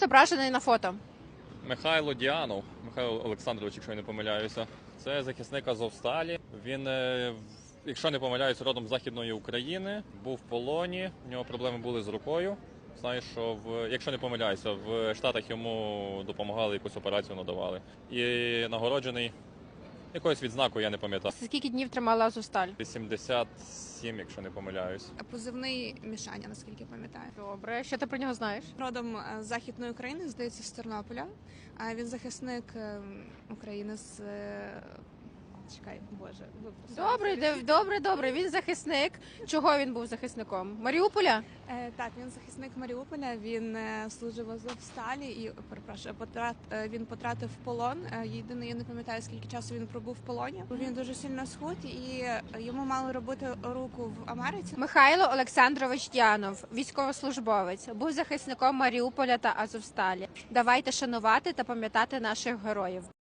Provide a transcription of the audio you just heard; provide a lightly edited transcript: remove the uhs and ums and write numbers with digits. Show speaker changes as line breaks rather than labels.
зображений на фото?
Михайло Діанов, Михайло Олександрович, якщо я не помиляюся. Це захисник Азовсталі. Він, якщо не помиляюся, родом з Західної України, був в полоні, в нього проблеми були з рукою. Знаю, що якщо не помиляюся, в Штатах йому допомагали, якусь операцію надавали. І нагороджений якоюсь відзнакою, я не пам'ятаю.
Скільки днів тримала Азовсталь?
87, якщо не помиляюсь.
Позивний Мішаня, наскільки пам'ятаю.
Добре, що ти про нього знаєш?
Родом з Західної України, здається, з Тернополя. А він захисник України з... Чекай, Боже,
Добре. Він захисник. Чого він був захисником? Маріуполя?
Так, він захисник Маріуполя, він служив в Азовсталі і, перепрошую, він потратив полон. Єдине, я не пам'ятаю, скільки часу він пробув в полоні. Він дуже сильно схуд і йому мали робити руку в Америці.
Михайло Олександрович Діанов, військовослужбовець, був захисником Маріуполя та Азовсталі. Давайте шанувати та пам'ятати наших героїв.